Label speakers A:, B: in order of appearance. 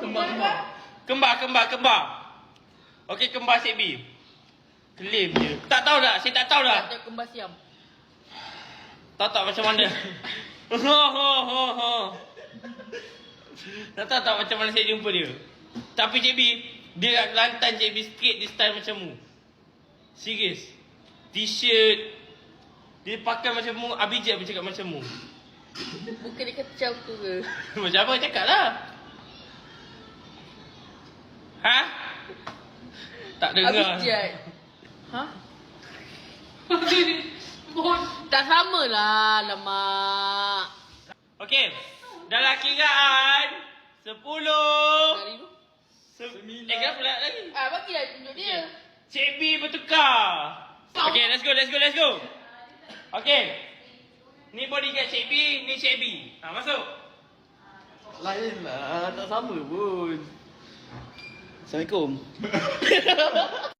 A: Kembar. Okey, kembar Cik B. Claim je. Tak tahu tak? Saya tak tahu dah.
B: Ada kembar siam.
A: Tak macam mana. Tak macam mana saya jumpa dia. Tapi Cik B, dia lantan Cik B sikit, dia style macam mu. Serius. T-shirt. Dia pakai macam mu, Abijat pun cakap macam mu.
B: Bukan dia kata macam tu ke?
A: Macam apa? Cakap lah. Ha? Tak dengar.
B: Abijat. Ha? Tak sama lah, lemak.
A: Okey. Dalam kiraan 10.
B: Hari tu?
A: Kenapa pula lagi?
B: Bagilah tunjuk dia.
A: Cik B bertukar. Okay, let's go. Okay. Ni bodyguard Cik B, ni Cik B. Masuk.
C: Lain lah, tak sama pun. Assalamualaikum.